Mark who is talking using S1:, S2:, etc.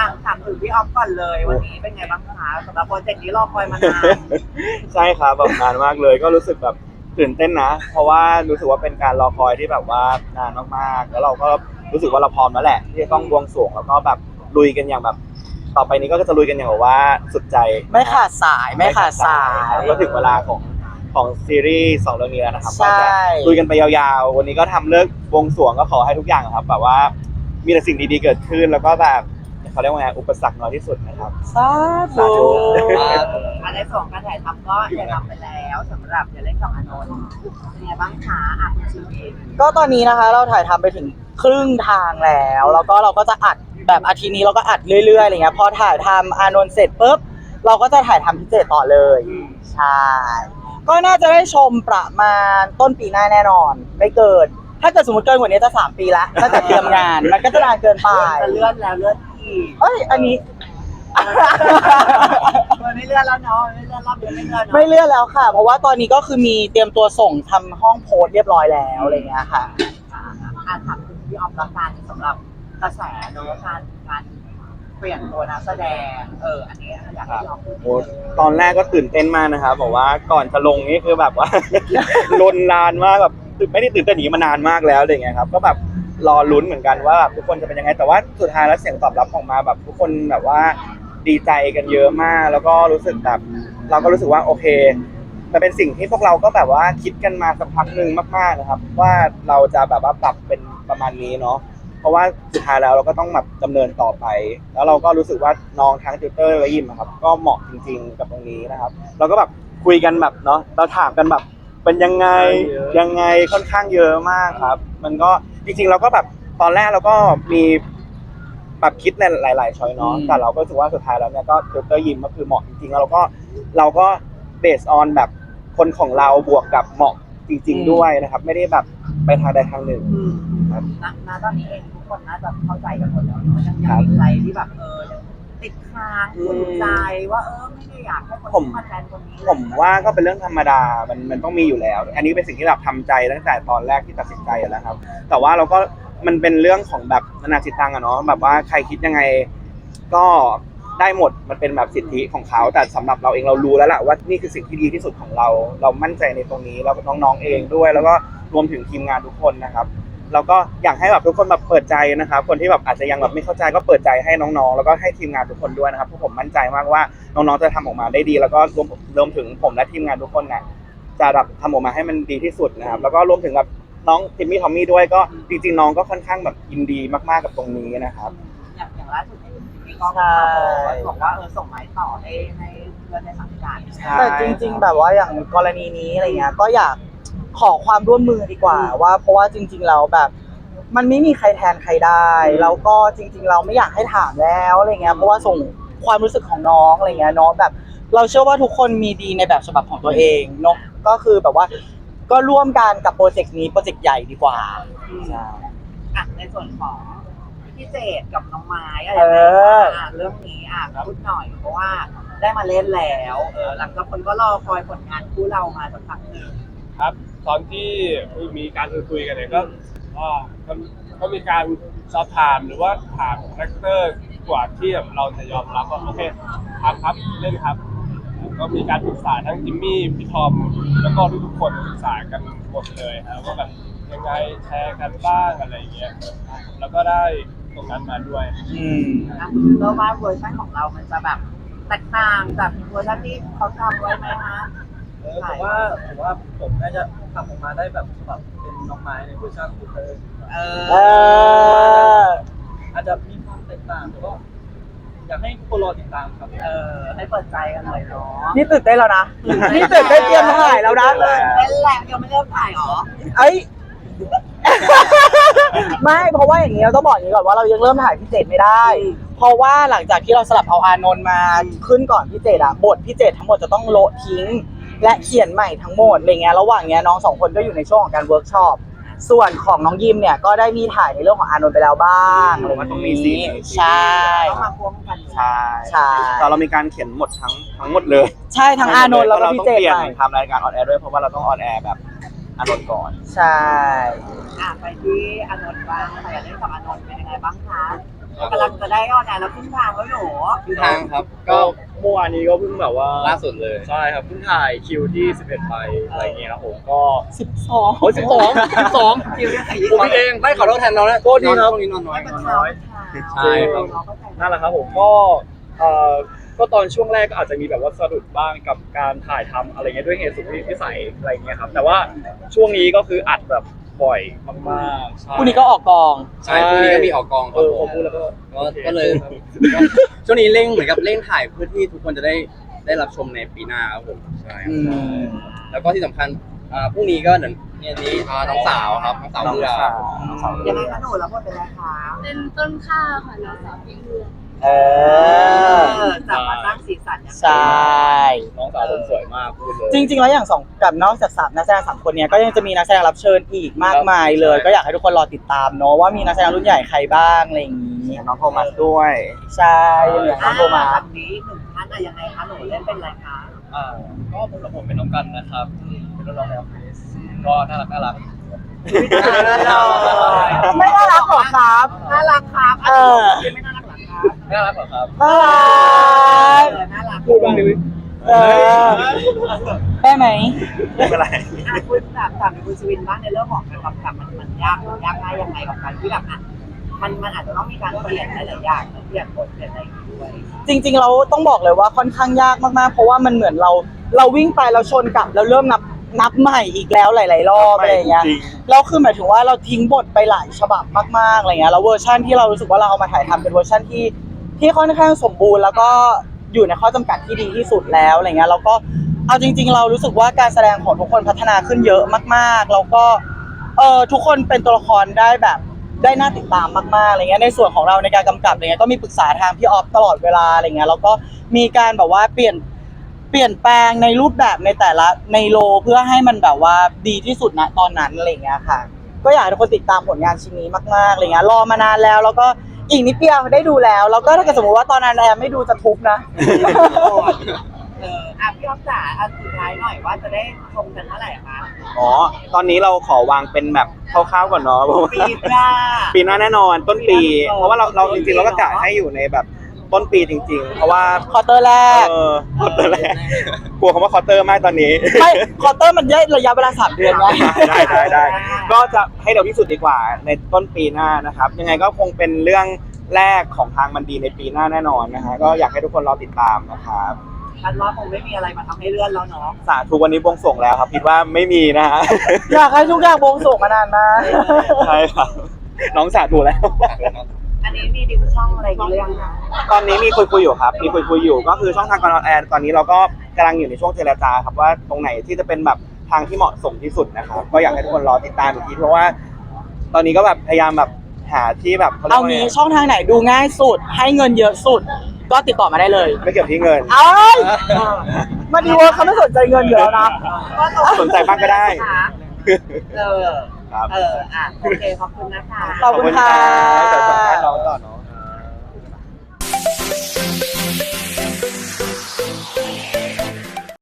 S1: ถามถึงพี่ออฟก่อนเลยวันนี้เป็นไงบ้างคะสำหรับโปรเจกต์นี้รอคอยมานาน
S2: ใช่ครับแบบนานมากเลยก็รู้สึกแบบตื่นเต้นนะเพราะว่ารู้สึกว่าเป็นการรอคอยที่แบบว่านานมากๆแล้วเราก็รู้สึกว่าเราพร้อมแล้วแหละที่จะต้องบวงสรวงแล้วก็แบบลุยกันอย่างแบบต่อไปนี้ก็จะลุยกันอย่างแบบว่าสุดใจ
S3: ไม่ขาดสายไม่ขาดสาย
S2: ครับก็ถึงเวลาของซีรีส์2เรื่องนี้แล้วนะครับ
S3: ใช่
S2: ก็จะลุยกันไปยาวๆวันนี้ก็ทำเลิกบวงสรวงก็ขอให้ทุกอย่างครับแบบว่ามีแต่สิ่งดีๆเกิดขึ้นแล้วก็แบบเขาเรียกว่าไงอุปสรรคน้อยที่สุดนะครับ
S3: สา
S2: สาธุ
S1: อันในส่วนการถ่ายทำก็ถ่ายทำไปแล้วสำหรับอย่าเล่นกับอานนท์เป็นไงบ้างคะคุณชิวเอง
S3: ก็ตอนนี้นะคะเราถ่ายทำไปถึงครึ่งทางแล้วก็เราก็จะอัดแบบอาทิตย์นี้เราก็อัดเรื่อยๆอะไรเงี้ยพอถ่ายทำอานนท์เสร็จปุ๊บเราก็จะถ่ายทำพิเศษต่อเลยใช่ก็น่าจะได้ชมประมาณต้นปีหน้าแน่นอนไม่เกินถ้าเกิดสมมติเกินกว่านี้จะ3 ปีละตั้งแต่เตรียมงานมันก็จะนานเกินไป
S1: จะเลื่อนแล้วเลื่อนอีก
S3: เอ้ยอันนี้
S1: มันไม่เลื่อนแล้วเนาะมันไม่เลื่อนรอบเดือนไม่เลื่อนเนาะ
S3: ไม่เลื่อนแล้วค่ะ เพราะว่าตอนนี้ก็คือมีเตรียมตัวส่งทำห้องโพสต์เรียบร้อยแล้วอะไรเงี้ยค่ะ
S1: ถามถึงพี่ออฟละกันสำหรับกระแสเนอะการเปลี่ยนตัวนักแสดงอันนี้อยากให้พี่ออฟพูด
S2: โอ้ตอนแรกก็ตื่นเต้นมากนะครับบอกว่าก่อนจะลงนี่คือแบบว่า ลนนานมากแบบไม่ได้ตื่นเต้นอย่างนี้มานานมากแล้วอะไรเงี้ยครับก็แบบรอลุ้นเหมือนกันว่าแบบทุกคนจะเป็นยังไงแต่ว่าสุดท้ายแล้วเสียงตอบรับออกมาแบบทุกคนแบบว่าดีใจกันเยอะมาก แล้วก็รู้สึกแบบเราก็รู้สึกว่าโอเคมันเป็นสิ่งที่พวกเราก็แบบว่าคิดกันมาสักพักหนึ่งมากๆนะครับว่าเราจะแบบว่าปรับเป็นประมาณนี้เนาะ เพราะว่าสุดท้ายแล้วเราก็ต้องแบบดำเนินต่อไป แล้วเราก็รู้สึกว่าน้องทั้งติวเตอร์และยิมอะครับก็เหมาะจริงๆกับตรงนี้นะครับ เราก็แบบคุยกันแบบเนาะเราถามกันแบบเป็นยังไงค่อนข้างเยอะมากครับ มันก็จริงๆเราก็แบบตอนแรกเราก็มีแบบคิดในหลายๆช้อยเนาะแต่เราก็รู้สึกว่าสุดท้ายแล้วเนี่ยก็ติวเตอร์ยิมก็คือเหมาะจริงๆแล้วเราก็เบสออนแบบคนของเราบวกกับเหมาะจริง ๆด้วยนะครับ ไม่ได้แบบไปทางใดทางหนึ่ง ครับ
S1: ณตอนนี้เองทุกคนน่าจะเข้าใจกันหมดแล้วเนอะยังมีใครที่แบบยังติดค้างขุ่นใจว่าไม่ได้อยากให้คนมาแทนคนนี้
S2: ผมว่าก็เป็นเรื่องธรรมดา มันต้องมีอยู่แล้ว อันนี้เป็นสิ่งที่แบบทำใจตั้งแต่ตอนแรกที่ตัดสินใจแล้วครับ แต่ว่าเราก็มันเป็นเรื่องของแบบนานาจิตตังอะเนาะ แบบว่าใครคิดยังไงก็ได้หมด มันเป็นแบบสิทธิของเขา แต่สำหรับเราเองเรารู้แล้วแหละว่านี่คือสิ่งที่ดีที่สุดของเรา เรามั่นใจในตรงนี้แล้วน้องๆเองด้วย แล้วก็รวมถึงทีมงานทุกคนนะครับ เราก็อยากให้แบบทุกคนแบบเปิดใจนะครับ คนที่แบบอาจจะยังแบบไม่เข้าใจก็เปิดใจให้น้องๆ แล้วก็ให้ทีมงานทุกคนด้วยนะครับเพราะผมมั่นใจมากว่าน้องๆ จะทำออกมาได้ดี แล้วก็รวมถึงผมและทีมงานทุกคนเนี่ยจะแบบทำออกมาให้มันดีที่สุดนะครับ แล้วก็รวมถึงกับน้องทิมมี่ทอมมี่ด้วยก็จริงๆน้องก็ค่อนข้างแบบยินดีมากๆกับตรงนี้นะครับ
S1: อย่างล่าสุดเนี่ยพี่ก็มาบอกว่าส่งไม้ต่อให้เพื่อนในสังกัด
S3: แต่จริง ๆ แบบว่าอย่างกรณีนี้อะไรเงี้ยก็อยากขอความร่วมมือดีกว่าว่าเพราะว่าจริงๆแล้วแบบ มันไม่มีใครแทนใครได้แล้วก็จริง ๆ เราไม่อยากให้ถามแล้วอะไรเงี้ยเพราะว่าส่งความรู้สึกของน้องอะไรเงี้ยเนาะแบบ เราเชื่อว่าทุกคนมีดีในแบบฉบับของตัวเองเนาะก็คือแบบว่าก็ร่วมกันกับโปรเจกต์นี้โปรเจกต์ใหญ่ดีกว่าใช่
S1: ในส่วนของพี่เจดกับน้องไม้อะไร
S3: เออ
S1: เรื่องนี้พูดหน่อยเพราะว่าได้มาเล่นแล้วหลังจากคนก็รอคอยผลงานคู่เรามาสักพักหนึ่ง
S4: ครับตอนที่มีการคุยกันเนี่ยก็มีการสอบถามหรือว่าถามคาแรคเตอร์กว่าที่แบบเราจะยอมรับว่าโอเคครับเล่นครับก็มีการปรึกษาทั้งจิมมี่พี่ทอมแล้วก็ทุกๆคนปรึกษากันหมดเลยครับว่าแบบยังไงแชร์กันบ้างอะไรอย่างเงี้ยแล้วก็ได้ตรงนั้นมาด้วย
S1: เชื่อว่าเวอร์ชันของเรามันจะแบบแตกต่างจากเวอร์ชันที่เขาทำไว้ไหมคะ
S5: ผมว่าผมน่าจะทำออกมาได้แบบเป็นน้องไม้ในเวอร์ชันของเธอ
S3: เออ
S5: อาจจะมีความแตกต่างแต่ก็อยากให้ทุกคนรอติดตามครับ
S1: ให้เปิดใจกันหน่อยเนาะ
S3: นี่ตื่นเต้นแล้วนะนี่ตื่นเต้นเตรียมถ่ายแล้วนะ
S1: เป็นแหละยังไม่เริ่มถ่ายหรอ
S3: เอ้ย ไม่เพราะว่าอย่างนี้เราต้องบอกอย่างนี้ก่อนว่าเรายังเริ่มถ่ายพิเศษไม่ได้ เพราะว่าหลังจากที่เราสลับเอาอานนท์มาขึ้นก่อนพิเศษอะบทพิเศษทั้งหมดจะต้องโละทิ้ง และเขียนใหม่ทั้งหมดอะไรเงี้ยระหว่างเนี้ยน้องสองคนก็อยู่ในช่วงของการเวิร์กช็อปส่วนของน้องยิมเนี่ยก็ได้มีถ่ายในเรื่องของอานนท์ไปแล้วบ้างอะไร
S2: มันต้องมีซีน
S3: ใช่
S1: ต้องมาพ่วงกัน
S2: ใช่
S3: ใช่
S2: แต่เรามีการเขียนหมดทั้งหมดเลย
S3: ใช่ทั้งอานนท์แล้วก็
S2: เรา
S3: พิ
S2: ต้อง
S3: เศษ
S2: เปลี่ยน
S3: ใหม่
S2: ทำรายการออนแอร์ด้วยเพราะว่าเราต้องออนแอร์แบบอานนท์ก่อน
S3: ใช่
S1: ไปที่อานนท์บ้างค่ะอยากเล่นกับอานนท์เป็นยังไงบ้างคะกำลังจะได้ออนแอร์แล้วครึ่งทางแล้วหนู
S6: ที่ทางครับ
S7: ก็
S6: ก็
S7: เมื่อวานนี้ก็เพิ่งแบบว่า
S6: ล่าสุดเลย
S7: ใช่ครับเพิ่งถ่ายคิวที่ 11 ไปอะไรเงี้ยครับผมก็
S3: 12
S7: โอ้ย12
S1: คิวยังไง
S7: ผมพี่เอง
S6: ไม่ขอโทษแทนน้องนะ
S7: โทษทีครับ
S6: ช่วงนี้นอนน้อย
S1: ไม่เป็นเช้า
S6: ใช่ครับ
S7: นั่นแหละครับผมก็ก็ตอนช่วงแรกก็อาจจะมีแบบว่าสะดุดบ้างกับการถ่ายทำอะไรเงี้ยด้วยเหตุสุดวิสัยอะไรเงี้ยครับแต่ว่าช่วงนี้ก็คืออัดแบบบ่อยมากๆใช่
S3: พรุ่งนี้ก็ออกกอง
S6: ใช่พรุ่งนี้ก็มีออกกองค
S7: เอ
S6: รับ
S7: อ
S6: ผ
S7: ผม มพูดแล้วก็
S6: ก็เลยก็ช่วงนี้เร่งเหมือนกับเร่งถ่ายเพื่อที่ทุกคนจะได้รับชมในปีหน้าครับผมใช่ครับแล้วก็ที่สำคัญพรุ่งนี้ก็เหมือนเนี่ยนี้น้องสาวครับน้องสาวเรือ
S1: ยังไงคะหนูแล้วพูดเป็นไรคะ
S8: เป็นต้นข้าวค่ะน้องสาวพี่เอื้อ
S3: เออ
S1: จับมาสร้างสีสันอย่าง
S3: ใช่
S7: น้องสาวผมสวยมากพูดเลย
S3: จริง ๆ แล้วอย่างสองกับนอกจาก3นักแสดง3คนเนี้ยก็ยังจะมีนักแสดงรับเชิญอีกมากมายเลย
S7: ครับ
S3: ก็อยากให้ทุกคนรอติดตามเนาะว่ามีนักแสดงรุ่นใหญ่ใครบ้างอะไรอย่างนี้
S2: น้องโทมัสด้วย
S3: ใช่อย่างน้องโทมัส
S1: วันนี้หนึ่งท่านอะยังไงคะหนูเล่นเป็นอะไรคะ
S5: ก็ผมเป็นน้องกันนะครับเป็นน้องในออฟฟิศก็น่ารัก
S3: ไม่น่ารักหรอครับ
S1: น่ารักครับ
S3: เออ
S1: ไม่น่ารักหรอครับ
S5: น่ารักเหรอครับ
S3: น่ารัก
S1: น่ารัก
S7: พูดบ้างดิวิ
S3: เออได้ไหม
S2: ไม่เป็นไร
S1: คุณแบบถามคุณชวินบ้างในเรื่องของการกำกับมันยากง่ายยังไงกับการที่แบบมันอาจจะต้องมีการเปลี่ยนหลายๆอย่างเปลี่ยนบทเปลี่ยนอะไรอย่างเงี้ยด้วย
S3: จริงๆเราต้องบอกเลยว่าค่อนข้างยากมากๆเพราะว่ามันเหมือนเราวิ่งไปเราชนกลับแล้วเริ่มนับใหม่อีกแล้วหลายๆรอบอะไรอย่างเงี้ย
S2: จริง
S3: เราคือหมายถึงว่าเราทิ้งบทไปหลายฉบับมากๆอะไรเงี้ยแล้วเวอร์ชันที่เรารู้สึกว่าเราเอามาถ่ายทำเป็นเวอร์ชันที่ค่อนข้างสมบูรณ์แล้วก็อยู่ในข้อจำกัดที่ดีที่สุดแล้วอะไรเงี้ยแล้วก็เอาจริง ๆ เรารู้สึกว่าการแสดงของทุกคนพัฒนาขึ้นเยอะมากๆแล้วก็ทุกคนเป็นตัวละครได้แบบได้น่าติดตามมากๆอะไรเงี้ยในส่วนของเราในการกำกับอะไรเงี้ยก็มีปรึกษาทางพี่ออฟตลอดเวลาอะไรเงี้ยแล้วก็มีการแบบว่าเปลี่ยนแปลงในรูปแบบในแต่ละในโลเพื่อให้มันแบบว่าดีที่สุดณตอนนั้นอะไรเงี้ยค่ะก็อยากให้ทุกคนติดตามผลงานชิ้นนี้มากๆอะไรเงี้ยรอมานานแล้วก็อีกนิดเดียวได้ดูแล้วก็ถ้าเกิดสมมติว่าตอนนั้นแอมไม่ดูจะทุบนะ
S1: พี่อ๊อฟจ๋าสุดท้ายหน่อยว่าจะได้ชมกันเมื่อไหร่คะ
S2: อ๋อ ตอนนี้เราขอวางเป็นแบบคร่าวๆก่อนเนาะเพราะว่า
S1: ปีหน้า
S2: ปีหน้าแน่นอนต้นปี เพราะว่าเราจริงๆเราก็กะให้อยู่ในแบบต้นปีจริง ๆ เพราะว่า
S3: ควอเตอร์แรก
S2: ควอเตอร์แรกกลัวคำว่าควอเตอร์มากตอนนี้
S3: ไม่ควอเตอร์มันได้ระยะเวลา3 เดือนไง
S2: ได้ก็จะให้เร็วที่สุดดีกว่าในต้นปีหน้านะครับ ยังไงก็คงเป็นเรื่องแรกของทางมันดีในปีหน้าแน่นอนนะฮะก็อยากให้ทุกคนรอติดตามนะครับ
S1: ฉันว่าคงไม่มีอะไรมาทำให้เลื่อนแล้วเนาะ
S2: สาธุวันนี้บวงสรวงแล้วครับคิดว่าไม่มีนะฮะ
S3: อยากให้ทุกอย่างวงส่งมานานมาก
S2: ใช่ครับน้องสาธุแล้ว
S1: อันนี้มีดิวช่องอะไรกันหรือยังคะ
S2: ตอนนี้มีคุยอยู่ครับ มีคุยอยู่ก็คือช่องทางการออนแอร์ตอนนี้เราก็กำลังอยู่ในช่วงเจรจาครับว่าตรงไหนที่จะเป็นแบบทางที่เหมาะสมที่สุดนะครับก็อยากให้ทุกคนรอติดตามอีกทีเพราะว่า ตอนนี้ก็แบบพยายามแบบหาที่แบบ
S3: เอางี้ช่องทางไหนดูง่ายสุด ให้เงินเยอะสุด ก็ติดต่อมาได้เลย
S2: ไม่เกี่ยวที่เงิน
S3: เอ้ยมาดีเวิร์คเขาไม่สนใจเงินอยู่แล้วนะ
S2: สนใจบ้างก็ได้
S1: เออ
S2: ครับ
S1: โอเคขอบคุณนะคะ
S3: ขอบคุณค่ะ
S2: เดี๋ยวสัมภาษณ์น้องต่อเนาะ